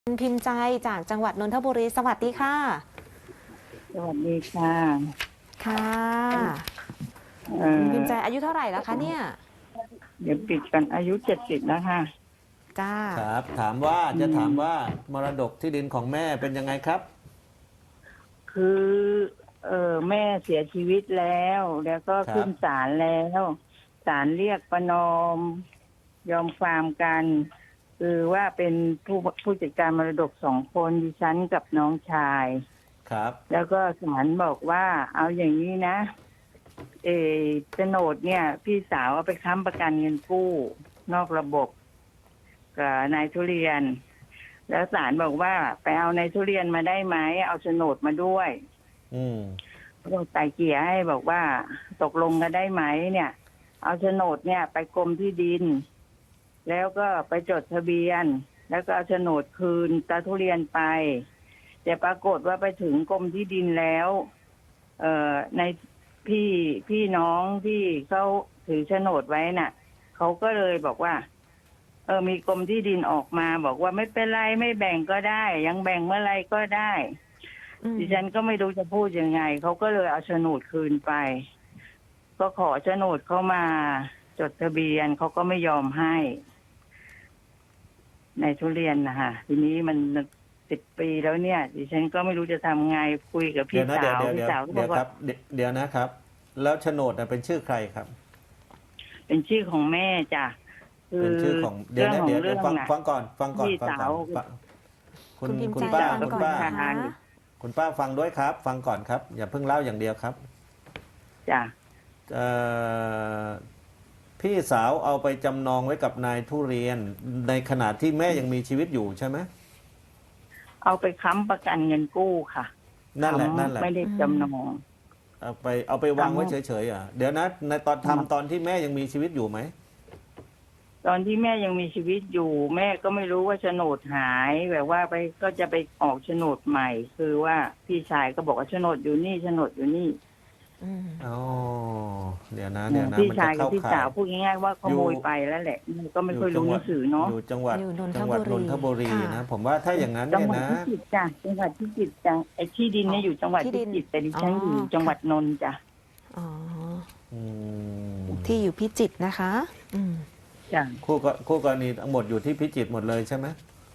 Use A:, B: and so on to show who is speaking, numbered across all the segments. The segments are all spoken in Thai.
A: คุณพิมพ์ใจจากจังหวัดนนทบุรีสวัสดีค่ะ
B: สวัสดีค่ะ
A: ค่ะ
B: เอ่
A: คุณพิมพ์ใจ
B: อ
A: อายุเท่าไหร่แล้วคะเนี่ย
B: เดี๋ยวปิดกันอายุ70แล้วค่ะ
A: จ้า
C: ครับถามว่ามรดกที่ดินของแม่เป็นยังไงครับ
B: คือแม่เสียชีวิตแล้วก็
C: ครับ
B: ขึ้นศาลแล้วศาลเรียกประนอมยอมความกันคือว่าเป็นผู้จัดการมรดก2 คนดิฉันกับน้องชาย
C: ครับ
B: แล้วก็ศาลบอกว่าเอาอย่างนี้นะเออโฉนดเนี่ย พี่สาวเอาไปค้ำประกันเงินกู้นอกระบบกับนายทุเรียน แล้วศาลบอกว่าไปเอานายทุเรียนมาได้ไหมเอาโฉนดมาด้วย
C: อืม
B: ก็ไต่เกลี่ยให้บอกว่าตกลงกันได้ไหมเนี่ย เอาโฉนดเนี่ยไปกรมที่ดิน แล้วก็ไปจดทะเบียน แล้วก็เอาโฉนดคืนตาทุเรียนไปแต่ปรากฏว่าไปถึงกรมที่ดินแล้วในพี่น้องที่เขาถือโฉนดไว้น่ะเขาก็เลยบอกว่ามีกรมที่ดินออกมาบอกว่าไม่เป็นไรไม่แบ่งก็ได้ยังแบ่งเมื่อไรก็ได้ดิฉันก็ไม่รู้จะพูดยังไงเขาก็เลยเอาโฉนดคืนไปก็ขอโฉนดเข้ามาจดทะเบียนเขาก็ไม่ยอมให้ในทุเรียนนะคะทีนี้มัน10 ปีแล้วเนี่ยดิฉันก็ไม่รู้จะทำไงคุยกับพี่สาวพี่สาวก็บอกว่า
C: เดี๋ยวนะครับแล้วโฉนดเป็นชื่อใครครับ
B: เป็นชื่อของแม่จ้ะ
C: เป็นชื่อของเดี๋ยวนะเดี๋ยวฟังก่อน
B: พี่สาว
C: คุณป้า
A: ฟังก่อนนะคะ
C: คุณป้าฟังด้วยครับฟังก่อนครับอย่าเพิ่งเล่าอย่างเดียวครับ
B: จ้ะ
C: พี่สาวเอาไปจำนองไว้กับนายทุเรียนในขณะที่แม่ยังมีชีวิตอยู่ใช่ไหม
B: เอาไปค้ำประกันเงินกู้ค่ะ
C: นั่นแหละ
B: ไม่ได้จำนอง
C: เอาไปวางไว้เฉยๆเดี๋ยวนะในตอนที่แม่ยังมีชีวิตอยู่ไหม
B: ตอนที่แม่ยังมีชีวิตอยู่แม่ก็ไม่รู้ว่าโฉนดหายแบบว่าไปก็จะไปออกโฉนดใหม่คือว่าพี่ชายก็บอกว่าโฉนดอยู่นี่โฉนดอยู่นี่
C: อ๋อเดี๋ยวนะ
B: พี่ชายกับพี่สาวพูดง่ายๆว่าขโมยไปแล้วแหละก็ไม่ค่อยรู้หนังสือเนาะ
C: อยู่จังหวัดนนทบุรีนะผมว่าถ้าอย่างนั้น
B: จัง
C: เนี่ยนะ
B: หวัดพิจิตรจ้ะจังหวัดพิจิตรจ้ะไอ้ที่ดินเนี่ยอยู่จังหวัดพิจิตรแต่ดิฉันอยู่จังหวัดนนท์จ้ะ
A: อ๋อที่อยู่พิจิตรนะคะ
B: จ้ะ
C: คู่กรณีทั้งหมดอยู่ที่พิจิตรหมดเลยใช่ไหม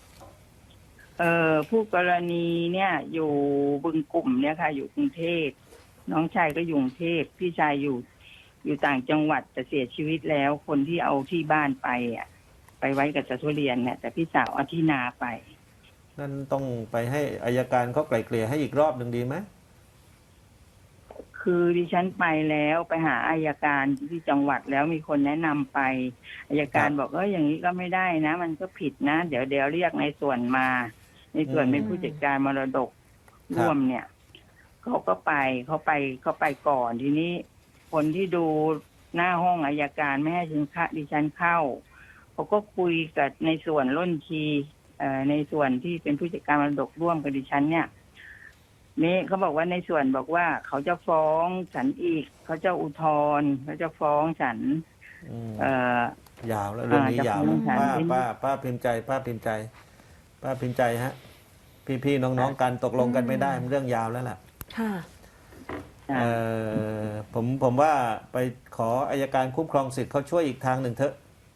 B: ผู้กรณีเนี่ยอยู่บึงกลุ่มเนี่ยค่ะอยู่กรุงเทพน้องชายก็อยู่กรุงเทพพี่ชายอยู่ต่างจังหวัดแต่เสียชีวิตแล้วคนที่เอาที่บ้านไปไปไว้กับตาทุเรียนเนี่ยแต่พี่สาวเอาที่นาไป
C: นั่นต้องไปให้อัยการเขาไกล่เกลี่ยให้อีกรอบหนึ่งดีไหม
B: คือดิฉันไปแล้วไปหาอัยการที่จังหวัดแล้วมีคนแนะนำไปอัยการบอกอย่างนี้ก็ไม่ได้นะมันก็ผิดนะเดี๋ยวเรียกในส่วนมาในส่วนเป็นผู้จัดการมรดกร่วมเนี่ยเขาไปก่อนทีนี้คนที่ดูหน้าห้องอัยการไม่ให้ดิฉันเข้าเขาก็คุยกับในส่วนล้นทีในส่วนที่เป็นผู้จัดการมรดกร่วมกับดิฉันเนี่ยนี่เขาบอกว่าในส่วนบอกว่าเขาจะฟ้องฉันอีกเขาจะอุทธรณ์เขาจะฟ้องฉัน
C: ยาวแล้วเรื่องนี้ยาวป้าพิมพ์ใจฮะพี่น้องกันตกลงกันไม่ได้มันเรื่องยาวแล้วล่ะ
A: ค่ะ
C: ผมว่าไปขออัยการคุ้มครองสิทธิ์เขาช่วยอีกทางหนึ่งเถอะ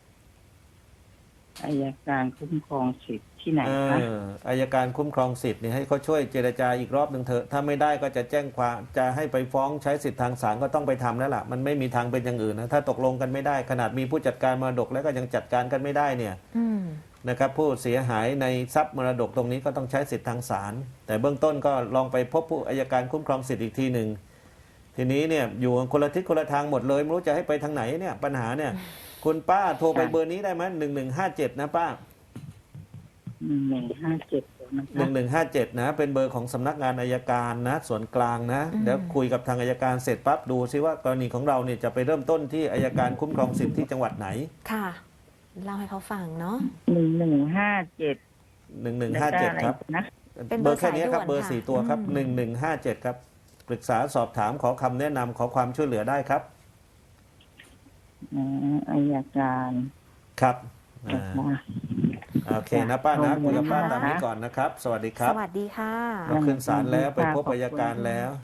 B: อัยการคุ้มครองสิทธิ์ที่ไหนคะ
C: อัยการคุ้มครองสิทธิ์นี่ให้เขาช่วยเจรจาอีกรอบหนึ่งเถอะถ้าไม่ได้ก็จะแจ้งความจะให้ไปฟ้องใช้สิทธิทางศาลก็ต้องไปทำแล้วล่ะมันไม่มีทางเป็นอย่างอื่นนะถ้าตกลงกันไม่ได้ขนาดมีผู้จัดการมรดกแล้วก็ยังจัดการกันไม่ได้เนี่ยนะครับผู้เสียหายในทรัพย์มรดกตรงนี้ก็ต้องใช้สิทธิทางศาลแต่เบื้องต้นก็ลองไปพบผู้อัยการคุ้มครองสิทธิ์อีกทีหนึ่งทีนี้เนี่ยอยู่คนละทิศคนละทางหมดเลยไม่รู้จะให้ไปทางไหนเนี่ยปัญหาเนี่ยคุณป้าโทรไปเบอร์นี้ได้ไหม1157นะป้า1157นะเป็นเบอร์ของสำนักงานอัยการนะส่วนกลางนะเดี๋ยวคุยกับทางอัยการเสร็จปั๊บดูซิว่ากรณีของเราเนี่ยจะไปเริ่มต้นที่อัยการคุ้มครองสิทธิ์ที่จังหวัดไหน
A: ค่ะเล่าให้เขาฟังเนาะ
B: 1157
C: ครับเบอร์แค่นี้ครับเบอร์4 ตัวครับ1157ครับปรึกษาสอบถามขอคำแนะนำขอความช่วยเหลือได้ครับ
B: อัยการ
C: ครับโอเคนะป้านะคุยกับป้า
A: ค่ะ
C: ตามนี้ก่อนนะครับ สวัสดีค
A: ส
C: รับ
A: วัสดีค่ะ
C: เราขึ้นศาลแล้วไปพบอัยการแล้ว